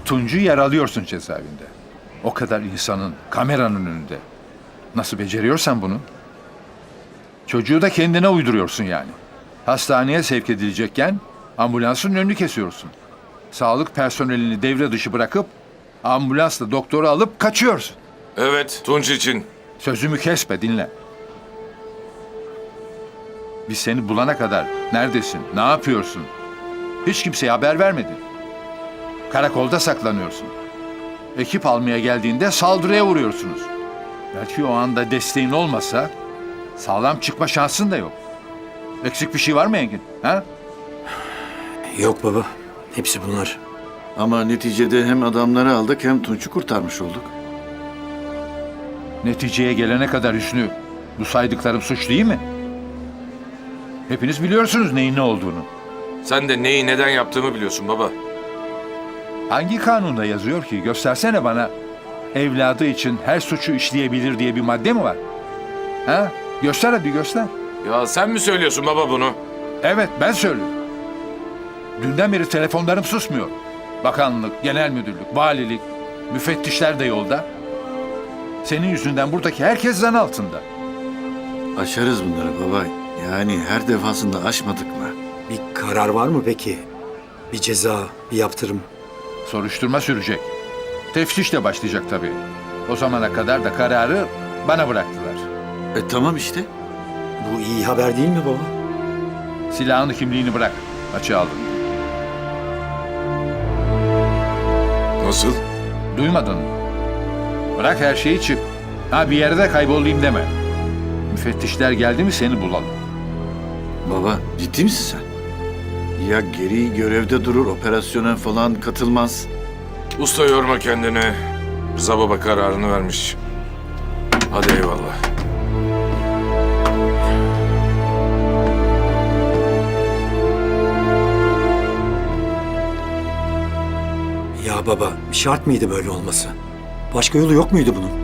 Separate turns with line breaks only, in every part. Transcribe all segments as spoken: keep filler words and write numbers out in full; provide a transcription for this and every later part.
Tunç'u yaralıyorsun cezaevinde. O kadar insanın kameranın önünde. Nasıl beceriyorsan bunu? Çocuğu da kendine uyduruyorsun yani. Hastaneye sevk edilecekken ambulansın önünü kesiyorsun. Sağlık personelini devre dışı bırakıp ambulansla doktoru alıp kaçıyorsun.
Evet, Tunç için.
Sözümü kesme, dinle. Biz seni bulana kadar neredesin, ne yapıyorsun? Hiç kimseye haber vermedin. Karakolda saklanıyorsun. Ekip almaya geldiğinde saldırıya uğruyorsunuz. Belki o anda desteğin olmasa sağlam çıkma şansın da yok. Eksik bir şey var mı Engin? Ha?
Yok baba. Hepsi bunlar.
Ama neticede hem adamları aldık hem Tunç'u kurtarmış olduk.
Neticeye gelene kadar Hüsnü, bu saydıklarım suç değil mi? Hepiniz biliyorsunuz neyin ne olduğunu.
Sen de neyi neden yaptığımı biliyorsun baba.
Hangi kanunda yazıyor ki? Göstersene bana. Evladı için her suçu işleyebilir diye bir madde mi var? Ha? Göster hadi göster.
Ya sen mi söylüyorsun baba bunu?
Evet ben söylüyorum. Dünden beri telefonlarım susmuyor. Bakanlık, genel müdürlük, valilik, müfettişler de yolda. Senin yüzünden buradaki herkes zan altında.
Aşarız bunları baba. Yani her defasında aşmadık mı?
Bir karar var mı peki? Bir ceza, bir yaptırım.
Soruşturma sürecek. Teftiş de başlayacak tabii. O zamana kadar da kararı bana bıraktılar.
E tamam işte.
Bu iyi haber değil mi baba?
Silahını, kimliğini bırak. Açığa aldım.
Nasıl?
Duymadın mı? Bırak her şeyi çık. Ha bir yerde kaybolayım deme. Müfettişler geldi mi seni bulalım.
Baba ciddi misin sen? Ya geri görevde durur, operasyona falan katılmaz.
Usta yorma kendini. Rıza baba kararını vermiş. Hadi eyvallah.
Ya baba, şart mıydı böyle olması? Başka yolu yok muydu bunun?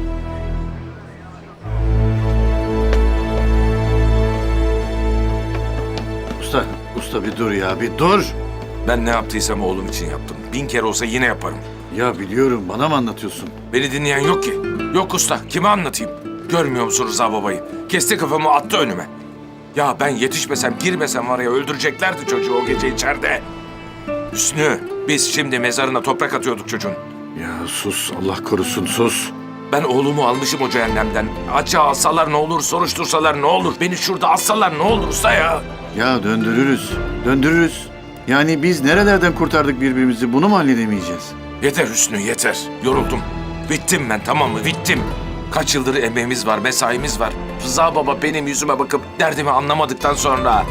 Usta, usta bir dur ya, bir dur.
Ben ne yaptıysam oğlum için yaptım. Bin kere olsa yine yaparım.
Ya biliyorum, bana mı anlatıyorsun?
Beni dinleyen yok ki. Yok usta, kime anlatayım? Görmüyor musun Rıza babayı? Kesti kafamı attı önüme. Ya ben yetişmesem, girmesem var ya öldüreceklerdi çocuğu o gece içeride. Hüsnü, biz şimdi mezarına toprak atıyorduk çocuğun.
Ya sus, Allah korusun sus.
Ben oğlumu almışım o cehennemden. Açığa alsalar ne olur, soruştursalar ne olur? Beni şurada assalar ne olur usta ya?
Ya döndürürüz, döndürürüz. Yani biz nerelerden kurtardık birbirimizi, bunu mu halledemeyeceğiz?
Yeter Hüsnü, yeter. Yoruldum. Bittim ben, tamam mı? Bittim. Kaç yıldır emeğimiz var, mesaimiz var. Rıza baba benim yüzüme bakıp derdimi anlamadıktan sonra...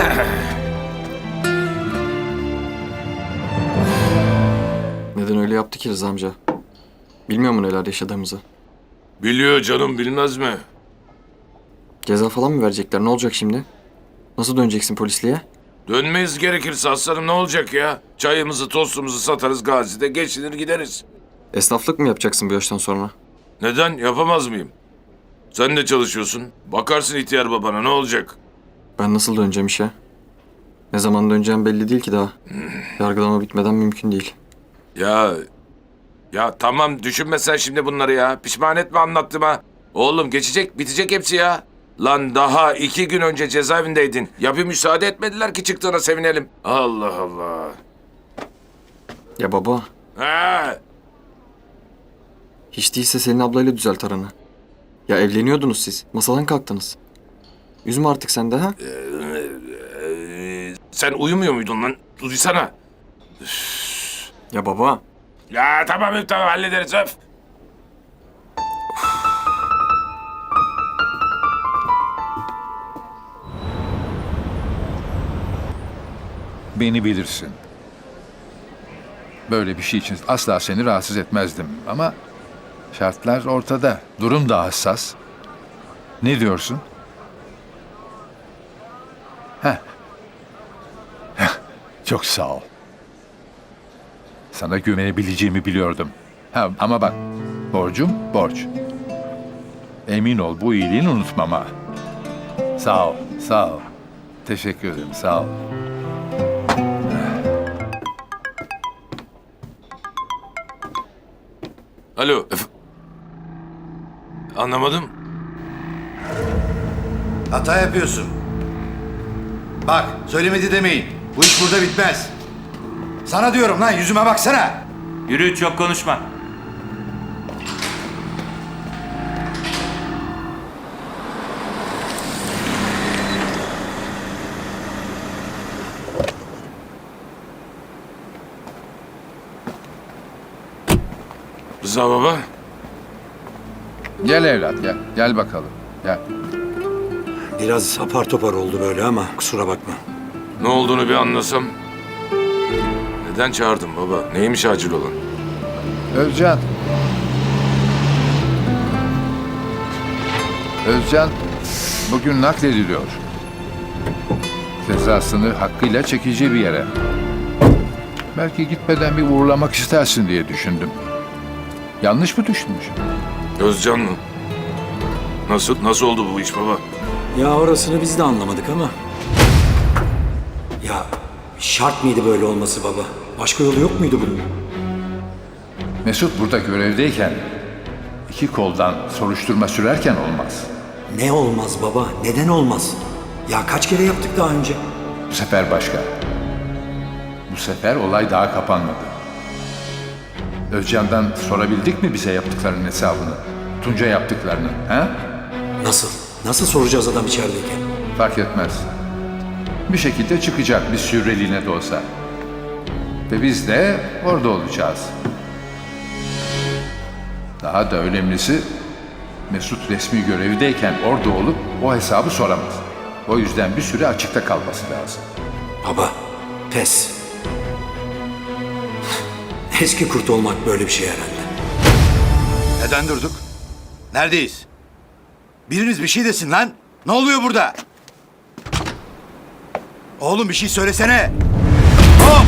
Neden öyle yaptı ki Rıza amca? Bilmiyor mu neler yaşadığımızı?
Biliyor canım, bilmez mi?
Ceza falan mı verecekler? Ne olacak şimdi? Nasıl döneceksin polisliğe?
Dönmeyiz gerekirse aslanım, ne olacak ya? Çayımızı, tostumuzu satarız Gazi'de, geçinir gideriz.
Esnaflık mı yapacaksın bu yaştan sonra?
Neden? Yapamaz mıyım? Sen de çalışıyorsun. Bakarsın ihtiyar babana, ne olacak?
Ben nasıl döneceğim işe? Ne zaman döneceğim belli değil ki daha. Yargılama bitmeden mümkün değil.
Ya... Ya tamam, düşünme sen şimdi bunları ya. Pişman etme anlattığıma. Oğlum geçecek, bitecek hepsi ya. Lan daha iki gün önce cezaevindeydin. Ya bir müsaade etmediler ki çıktığına sevinelim. Allah Allah.
Ya baba,
Ha.
hiç değilse Selin ablayla düzelt aranı. Ya evleniyordunuz siz. Masadan kalktınız. Üzme artık sen de ha?
Ee, sen uyumuyor muydun lan? Duysana.
Ya baba.
Ya tamam tamam hallederiz öf.
Beni bilirsin. Böyle bir şey için asla seni rahatsız etmezdim ama şartlar ortada. Durum da hassas. Ne diyorsun? Heh. Heh, çok sağ ol. Sana güvenebileceğimi biliyordum. Ha, ama bak, borcum borç. Emin ol bu iyiliğini unutmam ha. Sağ ol, sağ ol. Teşekkür ederim, sağ ol.
Alo. Ef- Anlamadım.
Hata yapıyorsun. Bak, söylemedi demeyin. Bu iş burada bitmez. Sana diyorum lan, yüzüme baksana.
Yürü, çok konuşma.
Rıza baba.
Gel evlat gel. Gel bakalım. Gel.
Biraz apar topar oldu böyle ama kusura bakma.
Ne olduğunu bir anlasam. Neden çağırdın baba? Neymiş acil olan?
Özcan. Özcan bugün naklediliyor. Cezasını hakkıyla çekeceği bir yere. Belki gitmeden bir uğurlamak istersin diye düşündüm. Yanlış mı düşünmüşüm?
Özcan mı? Nasıl? Nasıl oldu bu iş baba?
Ya orasını biz de anlamadık ama. Ya şart mıydı böyle olması baba? Başka yolu yok muydu bunun?
Mesut burada görevdeyken iki koldan soruşturma sürerken olmaz.
Ne olmaz baba? Neden olmaz? Ya kaç kere yaptık daha önce?
Bu sefer başka. Bu sefer olay daha kapanmadı. Özcan'dan sorabildik mi bize yaptıklarının hesabını? Tunca yaptıklarını, ha?
Nasıl? Nasıl soracağız adam içerideyken?
Fark etmez. Bir şekilde çıkacak bir süreliğine de olsa. Ve biz de orada olacağız. Daha da önemlisi Mesut resmi görevdeyken orada olup o hesabı soramaz. O yüzden bir süre açıkta kalması lazım.
Baba, pes. Eski kurt olmak böyle bir şey herhalde.
Neden durduk? Neredeyiz? Biriniz bir şey desin lan. Ne oluyor burada? Oğlum bir şey söylesene. Hop!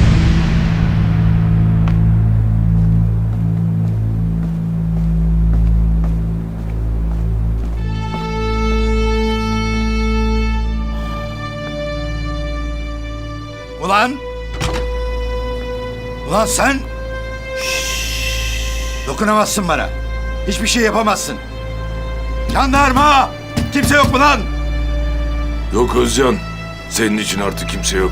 Ulan! Ulan sen! Dokunamazsın bana. Hiçbir şey yapamazsın. Jandarma! Kimse yok mu lan?
Yok Özcan. Senin için artık kimse yok.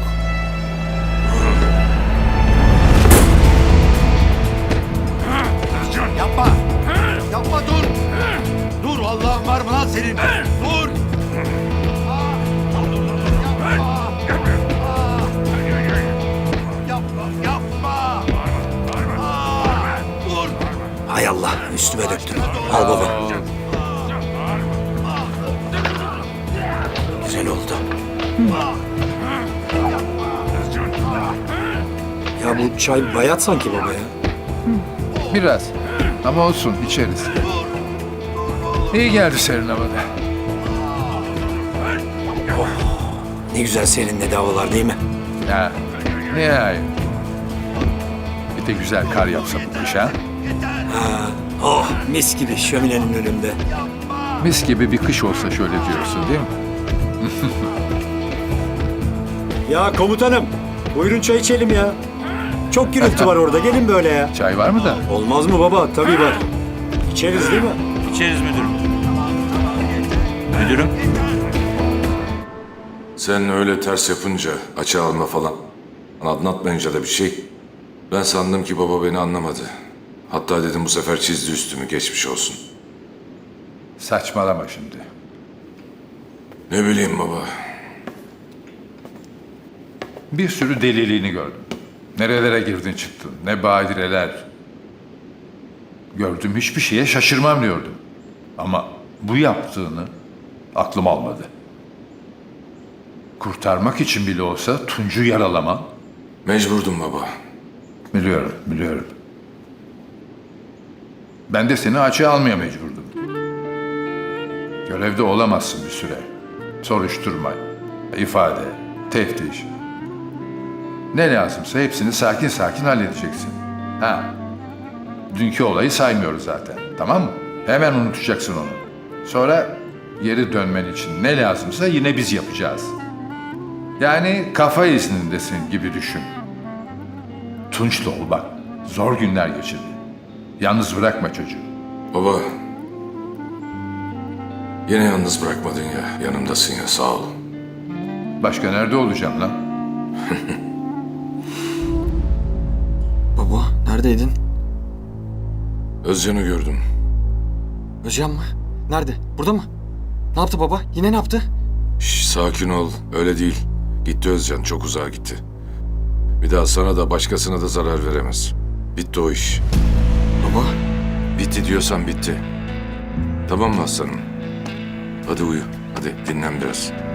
Yapma! Yapma dur! Dur Allah'ın var mı lan senin? Dur! Yapma! Yapma! Dur!
Hay Allah, üstüme döktün. Al baba. Güzel oldu. Ya bu çay bayat sanki baba ya.
Biraz. Ama olsun içeriz. İyi geldi serin havada.
Ne güzel seninle havalar değil mi?
Ya nihayet. Bir de güzel kar yapsa bu kış ha.
Oh, mis gibi şöminenin önünde.
Mis gibi bir kış olsa şöyle diyorsun değil mi?
Ya komutanım, buyurun çay içelim ya. Çok gürültü var orada, gelin böyle ya.
Çay var mı da?
Olmaz mı baba? Tabii var. İçeriz değil mi?
İçeriz müdürüm. Müdürüm.
Sen öyle ters yapınca, açığa alma falan, anlatmayınca da bir şey, ben sandım ki baba beni anlamadı. Hatta dedim bu sefer çizdi üstümü, geçmiş olsun.
Saçmalama şimdi.
Ne bileyim baba.
Bir sürü deliliğini gördüm. Nerelere girdin çıktın, ne badireler. Gördüm hiçbir şeye şaşırmam diyordum. Ama bu yaptığını aklım almadı. Kurtarmak için bile olsa Tunç'u yaralaman.
Mecburdum baba.
Biliyorum, biliyorum. Ben de seni açığa almaya mecburdum. Görevde olamazsın bir süre. Soruşturma, ifade, teftiş. Ne lazımsa hepsini sakin sakin halledeceksin. Ha. Dünkü olayı saymıyoruz zaten. Tamam mı? Hemen unutacaksın onu. Sonra geri dönmen için ne lazımsa yine biz yapacağız. Yani kafa iznindesin gibi düşün. Tunç'la ol bak. Zor günler geçirdi. Yalnız bırakma çocuğu.
Baba. Yine yalnız bırakmadın ya. Yanımdasın ya, sağ ol.
Başka nerede olacağım lan?
Baba neredeydin?
Özcan'ı gördüm.
Özcan mı? Nerede? Burada mı? Ne yaptı baba? Yine ne yaptı?
Şş, sakin ol. Öyle değil. Gitti Özcan. Çok uzağa gitti. Bir daha sana da başkasına da zarar veremez. Bitti o iş.
Baba
Bitti diyorsan bitti. Tamam mı aslanım? Hadi uyu. Hadi dinlen biraz.